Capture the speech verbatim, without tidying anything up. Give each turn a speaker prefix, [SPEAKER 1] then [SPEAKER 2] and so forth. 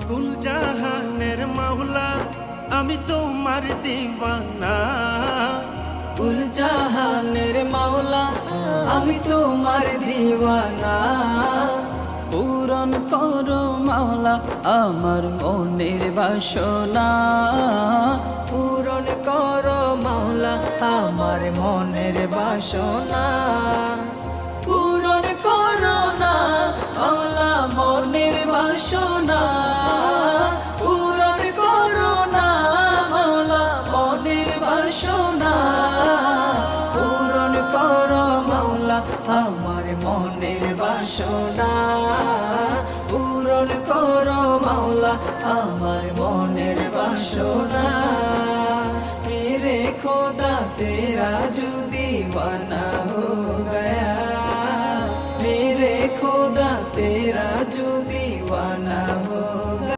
[SPEAKER 1] কুল জাহানের মাওলা আমি তোমার দিওয়ানা।
[SPEAKER 2] কুল জাহানের মাওলা আমি তোমার দিওয়ানা।
[SPEAKER 3] পূরণ করো মাওলা আমার মনের বাসনা।
[SPEAKER 2] পূরণ করো মাওলা আমার মনের বাসনা। পূরণ করো না মাওলা মনের বাসনা। পূরণ করো না মাওলা মনের বাসনা। পূরণ করো মাওলা আমার মনের বাসনা। পূরণ করো মাওলা আমার মনের বাসনা। मेरे खुदा तेरा